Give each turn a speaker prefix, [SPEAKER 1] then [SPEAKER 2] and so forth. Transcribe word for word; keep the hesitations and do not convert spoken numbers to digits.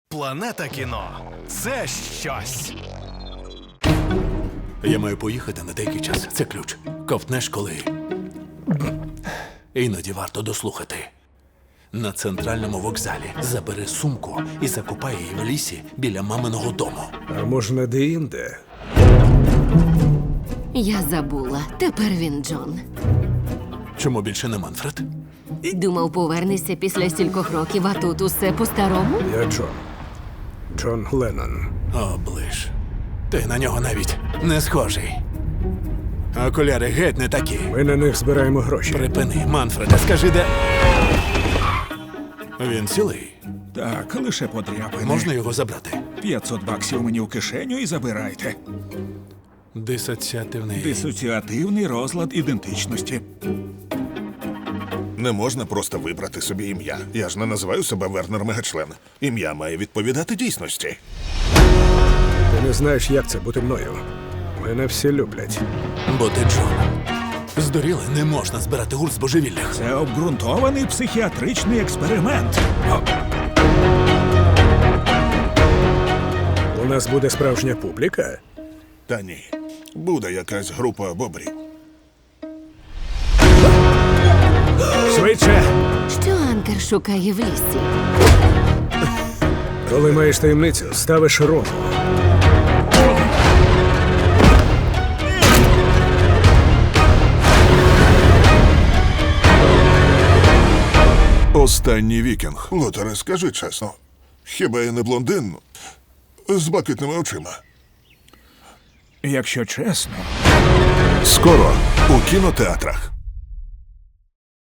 [SPEAKER 1] Планета кіно – це щось.
[SPEAKER 2] Я маю поїхати на деякий час. Це ключ. Ковтнеш коли. Іноді варто дослухати. На центральному вокзалі забери сумку і закопай її в лісі біля маминого дому.
[SPEAKER 3] А можна де-інде?
[SPEAKER 4] Я забула. Тепер він Джон.
[SPEAKER 2] Чому більше не Манфред?
[SPEAKER 4] Думав, повернешся після стількох років, а тут усе по-старому?
[SPEAKER 3] Я Джон. Джон Леннон.
[SPEAKER 2] О, ближ. Ти на нього навіть не схожий. Окуляри геть не такі.
[SPEAKER 3] Ми на них збираємо гроші.
[SPEAKER 2] Припини, Манфреде, скажи, де... Він цілий.
[SPEAKER 5] Так, лише подряпини.
[SPEAKER 2] Можна його забрати?
[SPEAKER 5] п'ятсот баксів мені в кишеню і забирайте.
[SPEAKER 2] Дисоціативний...
[SPEAKER 5] Дисоціативний розлад ідентичності.
[SPEAKER 6] Не можна просто вибрати собі ім'я. Я ж не називаю себе Вернер Мегачлен. Ім'я має відповідати дійсності.
[SPEAKER 3] Ти не знаєш, як це бути мною. Мене всі люблять.
[SPEAKER 2] Бо ти Джон. Здуріли, не можна збирати гурт з божевіллях.
[SPEAKER 5] Це обґрунтований психіатричний експеримент.
[SPEAKER 3] У нас буде справжня публіка.
[SPEAKER 6] Та ні. Буде якась група бобрів.
[SPEAKER 3] Швидше!
[SPEAKER 4] Що Анкер шукає в лісі?
[SPEAKER 3] Коли маєш таємницю, ставиш рому.
[SPEAKER 6] Останній вікінг. Лотере, скажи чесно. Хіба я не блондин з блакитними очима?
[SPEAKER 5] Якщо чесно,
[SPEAKER 6] Скоро у кінотеатрах.